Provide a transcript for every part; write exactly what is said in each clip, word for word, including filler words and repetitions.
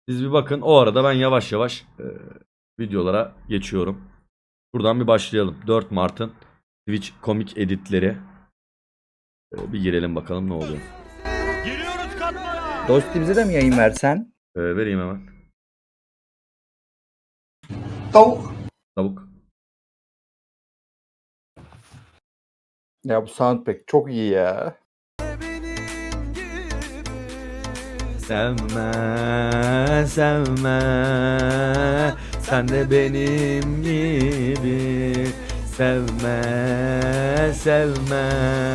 Siz bir bakın. O arada ben yavaş yavaş e, videolara geçiyorum. Buradan bir başlayalım. dört Mart'ın Twitch komik editleri. E, bir girelim bakalım ne oluyor. Giriyoruz katmaya. Dosti bize de mi yayın versen? E, vereyim hemen. Tavuk. Tavuk. Ya bu soundpack çok iyi ya. Sevme, sevme, sen de benim gibi. Sevme, sevme.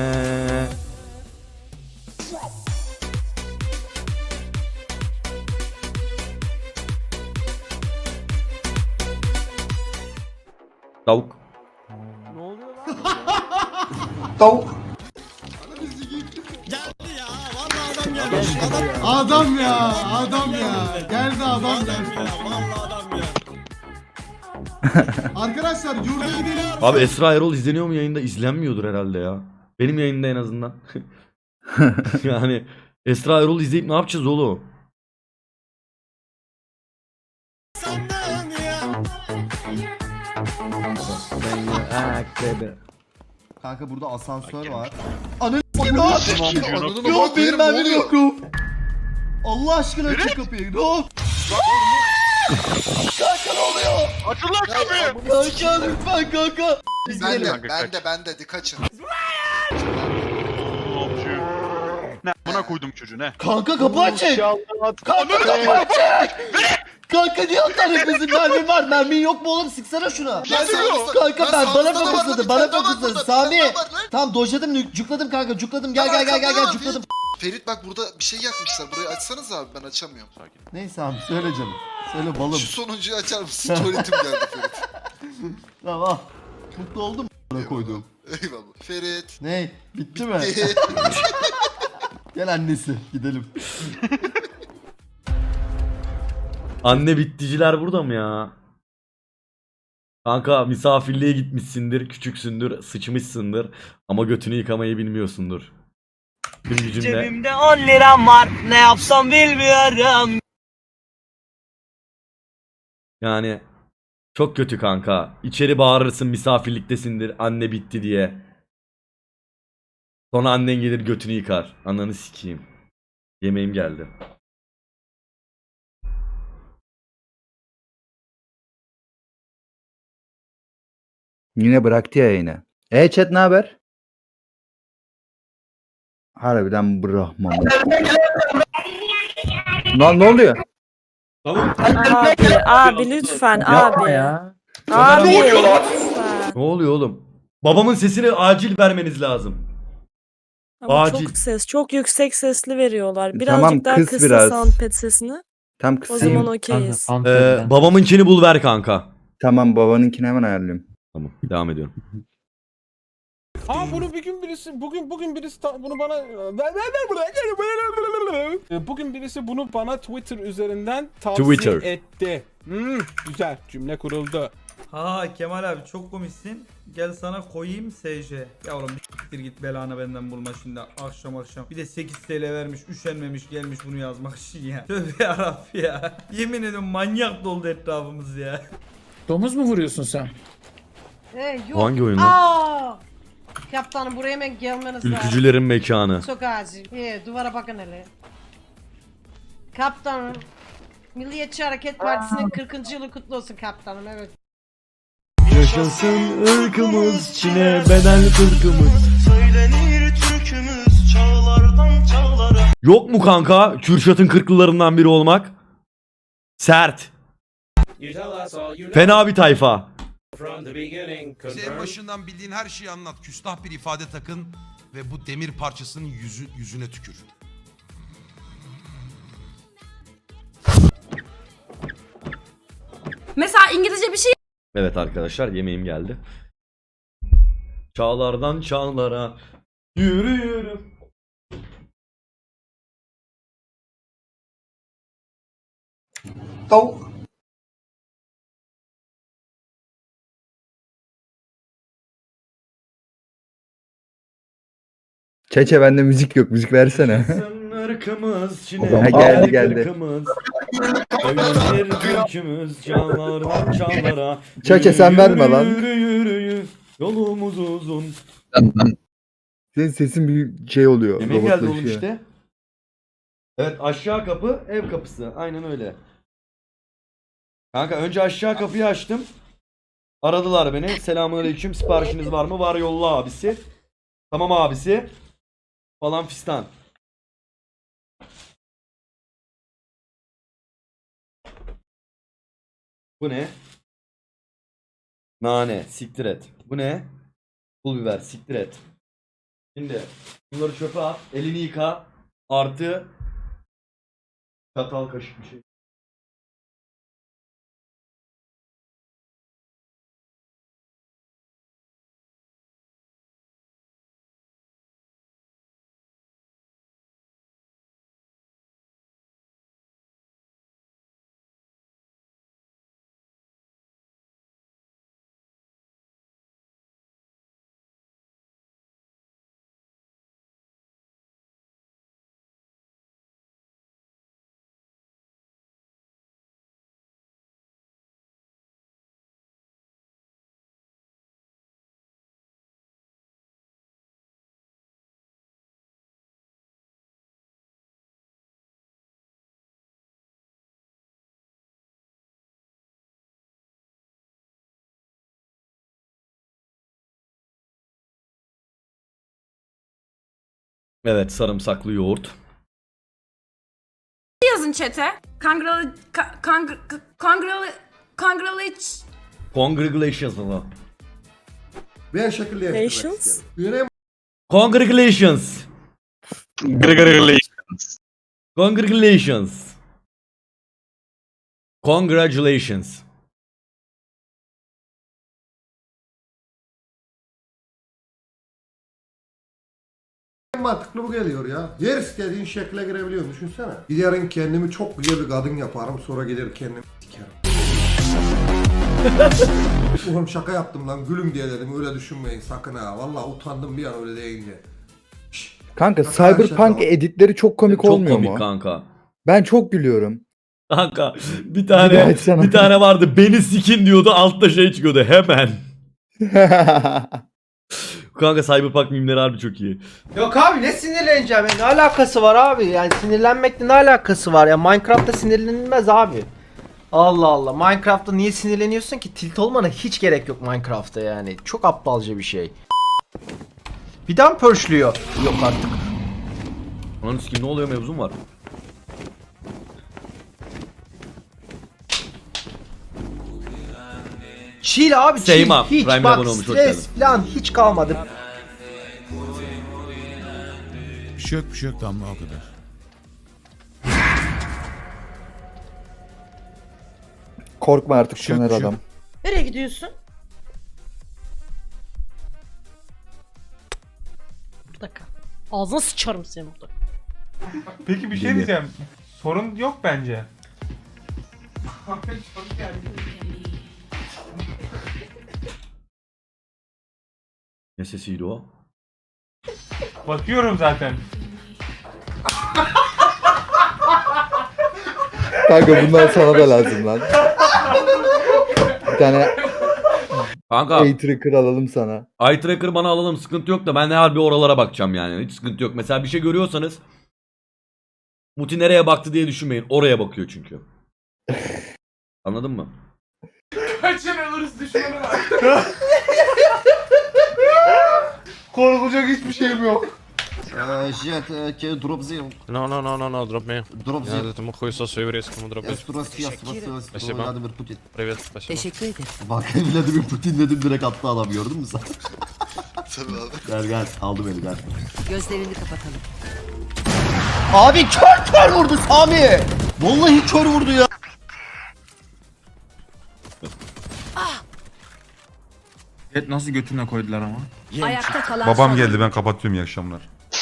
Tavuk. Ne oluyor lan? Tavuk. Geldi ya. Vallahi adam geldi. Adam, Adam ya, adam ya. Geldi adam adam geldi. ya. Vallahi adam ya. Arkadaşlar yurda gidelim. Abi Esra Erol izleniyor mu yayında? İzlenmiyordur herhalde ya. Benim yayında en azından. Yani Esra Erol izleyip ne yapacağız oğlum? Senden ya. Kanka burada asansör var. Yok benim ben yokum. Allah aşkına aç kapıyı. Yok. Kanka ne oluyor? Açın lan kapıyı. Kanka lütfen kanka. Biz Ben gidelim. de, ben de, ben de, hadi kaçın. Ne buna koydum çocuğu ne? Kanka kapı açık. Kanka kapı açık. Kanka niye atar hepimizin mermin var? Mermin yok mu oğlum? Sıksana şuna. Ben sağımızda- Kanka ben bana sağımızda da var lan, fokusladı. bir Bana tane daha var fokusladı. burada, bir Sami. tane daha var lan. Tamam dojladım, cukladım kanka, cukladım. Gel Lan gel gel gel arkamda gel var, cukladım. Ferit bak burada bir şey yakmışlar. Burayı açsanız abi, ben açamıyorum. Neyse abi söyle canım. Söyle balım. Şu sonuncuyu açar mısın? Tuvaletim geldi Ferit. Tamam al. Mutlu oldun mu? Bana koydum. Eyvallah. Ferit. Ne? Bitti mi? Gel annesi gidelim. Anne bitticiler burada mı ya? Kanka misafirliğe gitmişsindir, küçüksündür, sıçmışsındır ama götünü yıkamayı bilmiyorsundur. Tüm gücünle. Cebimde on liram var. Ne yapsam bilmiyorum. Yani çok kötü kanka. İçeri bağırırsın misafirliktesindir anne bitti diye. Sonra annen gelir götünü yıkar. Ananı sikeyim. Yemeğim geldi. Yine bıraktı ya yayını. E chat ne haber? Harbiden bırakmam. Lan ne oluyor? Abi, abi lütfen abi. ya. Abi Ne lütfen. Ne oluyor oğlum? Babamın sesini acil vermeniz lazım. Ama Acil. çok ses, çok yüksek sesli veriyorlar. Birazcık Tamam, daha kıs kısa biraz. soundpad sesini. Tam O kısayım. zaman okeyiz. Ee, babamınkini bul ver kanka. Tamam babanınkini hemen ayarlıyorum. Tamam devam ediyorum. Aa bunu bir gün birisi bugün bugün birisi ta- bunu bana ver ver ver bırak. Ee, Bugün birisi bunu bana Twitter üzerinden tavsiye Twitter. etti. Hmm, güzel cümle kuruldu. Ha Kemal abi çok komiksin. Gel sana koyayım S J. Ya oğlum bir siktir git belanı benden bulma şimdi akşam akşam. Bir de sekiz T L vermiş, üşenmemiş gelmiş bunu yazmak için ya. Tövbe yarabbim ya. Yemin ediyorum manyak doldu etrafımız ya. Domuz mu vuruyorsun sen? Ee, Bu hangi oyun lan? Aa! Kaptanım buraya hemen gelmeniz lazım. Ülkücülerin mekanı. Çok acil. Ee, duvara bakın hele. Kaptanım. Milliyetçi Hareket Partisi'nin kırkıncı yılı kutlu olsun kaptanım, evet. Yaşasın ırkımız, Çin'e bedel kırkımız. Söylenir türkümüz çağlardan çağlara. Yok mu kanka Kürşat'ın kırklılarından biri olmak? Sert. Fena bir tayfa. En başından bildiğin her şeyi anlat. Küstah bir ifade takın ve bu demir parçasının yüzü, yüzüne tükür. Mesela İngilizce bir şey Evet arkadaşlar yemeğim geldi. Çağlardan çağlara yürüyorum. Tavuk. Çeçe bende müzik yok. Müzik versene. Yaşasın ırkımız, Çin'e Ha, bedel geldi, geldi. kırkımız. Söylenir türkümüz çağlardan çağlara. Çeçe sen verme lan. Yürü yürü yürü. Yolumuz uzun. Senin sesin bir şey oluyor. Yemeğe geldi oğlum robotlaşıyor. işte. Evet, aşağı kapı ev kapısı. Aynen öyle. Kanka önce aşağı kapıyı açtım. Aradılar beni. Selamünaleyküm. Siparişiniz var mı? Var, yolla abisi. Tamam abisi. Falan fistan. Bu ne? Nane. Siktir et. Bu ne? Pul biber. Siktir et. Şimdi bunları çöpe at. Elini yıka. Artı çatal kaşık bir şey. Evet, sarımsaklı yoğurt. Yazın chat'e. Congratulations. Congratulations. Congratulations ama. Ben şekilde Congratulations. Congratulations. Congratulations. Congratulations. Congratulations. mantıklı bu geliyor ya. Her istediğin şekle girebiliyorum düşünsene. Giderim kendimi çok güzel bir kadın yaparım sonra gelir kendimi sikerim. Oğlum şaka yaptım lan gülüm diye dedim öyle düşünmeyin sakın ha. Vallahi utandım bir an öyle deyince. Şşş. Kanka Arkadaşlar, Cyberpunk tamam. editleri çok komik Çok olmuyor komik mu? kanka. Ben çok gülüyorum. Kanka bir Bir tane daha açsana. bir tane vardı, beni sikin diyordu, altta şey çıkıyordu hemen. Kanka Cyberpunk mimleri harbi çok iyi. Yok abi ne sinirleneceğim ya? Ne alakası var abi? Yani sinirlenmekle ne alakası var ya? Minecraft'ta sinirlenilmez abi. Allah Allah. Minecraft'ta niye sinirleniyorsun ki? Tilt olmana hiç gerek yok Minecraft'ta yani. Çok aptalca bir şey. Bir daha mı pörşlüyor? Yok artık. Ananı sikeyim, ne oluyor, mevzum var. Chill abi chill. Seyma, Hiç Prime'le bak abone olmuş, hoş stres falan hiç kalmadı. Bir şey yok bir şey yok tamam o kadar. Korkma artık Şık, Şener şık. adam. Nereye gidiyorsun? Burada kal. Ağzına sıçarım seni burada. Peki bir şey diyeceğim. Sorun yok bence. Ne sesiydi o? Bakıyorum zaten. Kanka bunlar sana da lazım lan. Bir tane Kanka A-Tracker alalım sana. eye tracker bana alalım, sıkıntı yok da ben de harbi oralara bakacağım yani. Hiç sıkıntı yok. Mesela bir şey görüyorsanız Muti nereye baktı diye düşünmeyin. Oraya bakıyor çünkü. Anladın mı? Kaçırılırız düşmanı var. Korkulacak hiçbir şeyim yok. Jet, drop zero. No no no no no drop me. Drop Я zero. этому хуесосу еврейскому дроблю. Спасибо. Vladimir Putin. Привет, спасибо. Teşekkür ederim. Bak Vladimir Putin dedim direkt attı adam gördün mü sen? Tabii abi. Gel gel aldı beni gel. Gözlerini kapatalım. Abi kör kör vurdu Sami. Vallahi kör vurdu ya. Evet nasıl götüne koydular ama? Ayakta kalan Babam son- geldi ben kapatıyorum iyi akşamlar.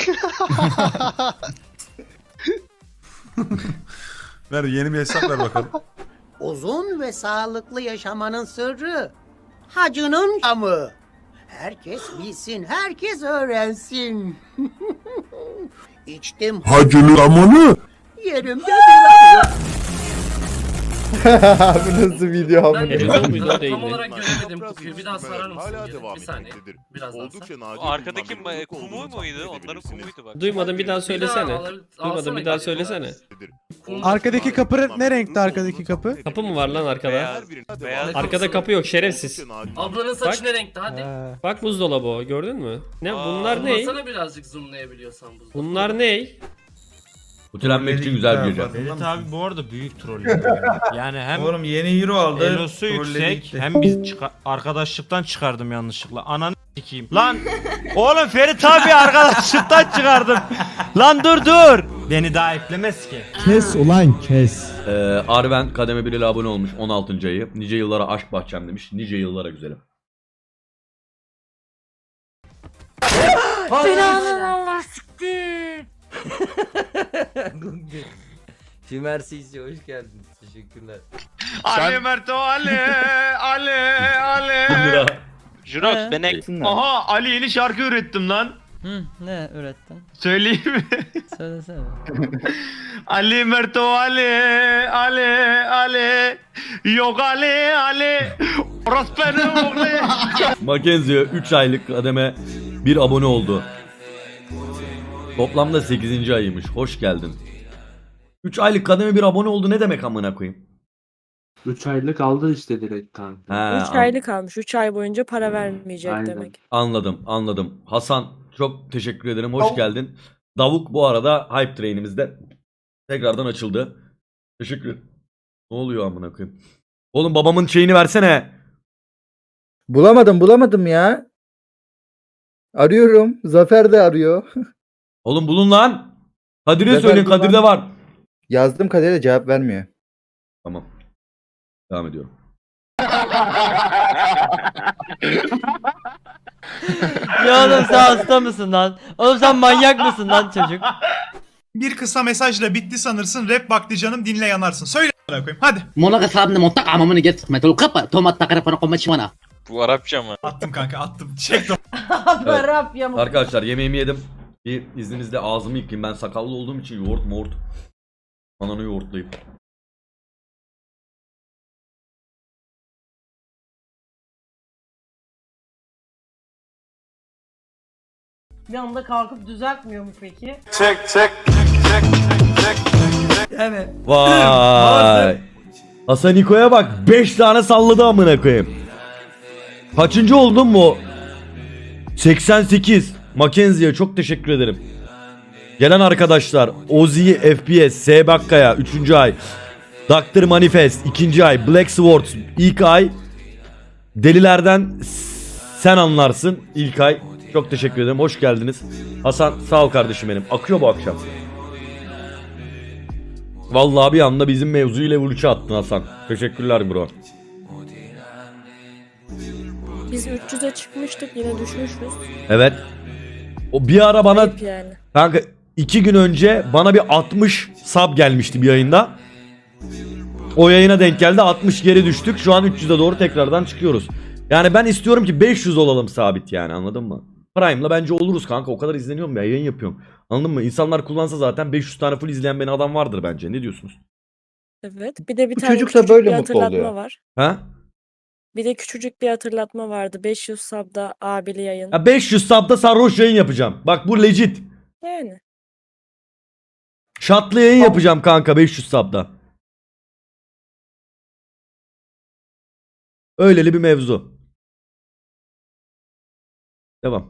Ver yeni bir hesap ver bakalım. Uzun ve sağlıklı yaşamanın sırrı hacının camı. Herkes bilsin, herkes öğrensin. İçtim Hacılı amanı. yerimde duramıyorum. Bu nasıl video amına? Tam olarak göremedim kokuyu. Bir daha sarar mısın? Bir saniye. Biraz daha sar. Arkadaki kumu muydu? Onların kumuydu bak. Duymadım, bir daha söylesene. Duymadım, bir daha söylesene. Arkadaki kapı ne renkte arkadaki kapı? Kapı mı var lan arkada? Beyaz. Beyaz. Arkada kapı yok, şerefsiz. Ablanın saçı ne renkte hadi. Bak buzdolabı o, gördün mü? Ne Aa, bunlar ne? Sana birazcık zoomlayabiliyorsan bu. Bunlar ne? Ütülenmek için güzel bir gece. Evet abi bu arada büyük troll. Yani hem Oğlum yeni hero aldı. elosu Trolledik yüksek de. hem biz çıka- arkadaşlıktan çıkardım yanlışlıkla. Ananı sikeyim. Lan oğlum Ferit abi arkadaşlıktan çıkardım. Lan dur dur. Beni daha eklemez ki. Kes ulan kes. Ee, Arven kademe bir ile abone olmuş on altıncı ayı. Nice yıllara aşk bahçem demiş. Nice yıllara güzelim. Fimersizce hoş geldin. Teşekkürler. Ali Merto Ali Ali Ali. Jurox ben ek... Aha Ali yeni şarkı ürettim lan. Hı, ne öğrettin? Söyleyeyim mi? Söylesene. Ali Merto Ali Ali Ali yok Ali Ali orası benim oğlu. Mackenzie üç aylık kademe bir abone oldu. Toplamda sekizinci ayıymış. Hoş geldin. üç aylık kademe bir abone oldu ne demek amına koyayım? üç aylık aldın işte direkt kanka. Ha, an- kalmış. üç ay boyunca para vermeyecek Aynen. anladım anladım. Hasan çok teşekkür ederim. Hoş geldin. Davuk bu arada Hype Train'imizde tekrardan açıldı. Teşekkür ederim. Ne oluyor amına koyayım? Oğlum babamın şeyini versene. Bulamadım bulamadım ya. Arıyorum. Zafer de arıyor. Oğlum bulun lan. Kadir'e Zafer söyleyin, bulun Kadir'de lan. var. Yazdım Kadir'e cevap vermiyor. Tamam. Devam ediyorum. Ya oğlum sen hasta mısın lan? Oğlum sen manyak mısın lan çocuk? Bir kısa mesajla bitti sanırsın, rap vakti canım, dinle yanarsın. Söyle koyayım hadi. Monaco sabne montak amamını get. Metal kapı. Tomat takarı koma çimana. Bu Arapça mı? Attım kanka attım. Çek Arap yamuk. Arkadaşlar yemeğimi yedim. Bir izninizle ağzımı yıkayayım. Ben sakallı olduğum için yoğurt moğurt. Ananı yoğurtlayıp. Bir anda kalkıp düzeltmiyor mu peki? Yani Vay. Hasan Niko'ya bak. beş tane salladı amına koyayım. Kaçıncı oldun mu? seksen sekiz. Mackenzie'ye çok teşekkür ederim. Gelen arkadaşlar Ozi F P S, S Bakkaya üçüncü ay. doktor Manifest ikinci ay. Black Swords ilk ay. Delilerden sen anlarsın ilk ay. Çok teşekkür ederim. Hoş geldiniz. Hasan sağ ol kardeşim benim. Akıyor bu akşam. Vallahi bir anda bizim mevzuyu level üçe attın Hasan. Teşekkürler bro. Biz üç yüze çıkmıştık yine düşmüşüz. Evet. O bir ara bana Yani. kanka iki gün önce bana bir altmış sub gelmişti bir yayında. O yayına denk geldi, altmış geri düştük. Şu an üç yüze doğru tekrardan çıkıyoruz. Yani ben istiyorum ki beş yüz olalım sabit yani, anladın mı? Prime'la bence oluruz kanka, o kadar izleniyorum ya, yayın yapıyorum. Anladın mı? İnsanlar kullansa zaten beş yüz tane full izleyen beni adam vardır bence. Ne diyorsunuz? Evet. Bir de bir Bu tane çocuk da küçücük böyle bir mutlu hatırlatma oluyor. var. Ha? Bir de küçücük bir hatırlatma vardı. beş yüz sub'da abili yayın. Ya beş yüz sub'da sarhoş yayın yapacağım. Bak bu legit. Yani. Şatlı yayın yapacağım kanka beş yüz sub'da. Öyleli bir mevzu. Devam.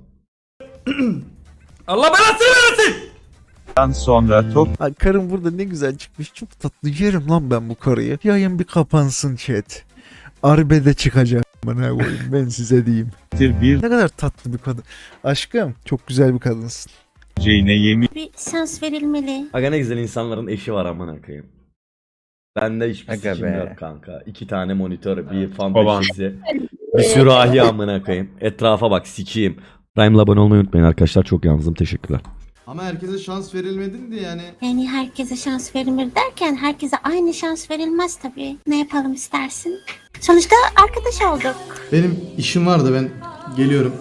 Allah belasını versin. Sonra top. Karım burada ne güzel çıkmış. Çok tatlı. Yerim lan ben bu karıyı. Yayın bir kapansın chat. Arbede çıkacak. Bana koyayım ben size diyeyim. Bir Ne kadar tatlı bir kadın. Aşkım çok güzel bir kadınsın. Ceyne yemin. Bir şans verilmeli. Aga ne güzel insanların eşi var amına koyayım. Bende hiçbir Aga sikim be. yok kanka. İki tane monitör, bir fan peşesi, bir sürahi amına koyayım. Etrafa bak sikiyim. Prime'la abone olmayı unutmayın arkadaşlar. Çok yalnızım. Teşekkürler. Ama herkese şans verilmedin de yani. Yani herkese şans verilir derken herkese aynı şans verilmez tabii. Ne yapalım istersin? Sonuçta arkadaş olduk. Benim işim vardı, ben geliyorum.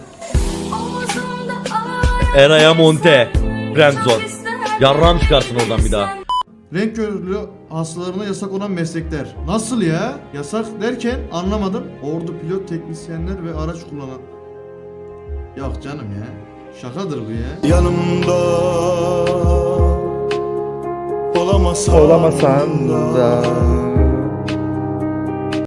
Eraya Monte. Friendzone. Yarram çıkarsın oradan bir daha. renk körlüğü hastalarına yasak olan meslekler. Nasıl ya? Yasak derken anlamadım. Ordu pilot, teknisyenler ve araç kullanan. Yok canım ya. Şakadır bu ya. Yanımda olamasan, olamasan da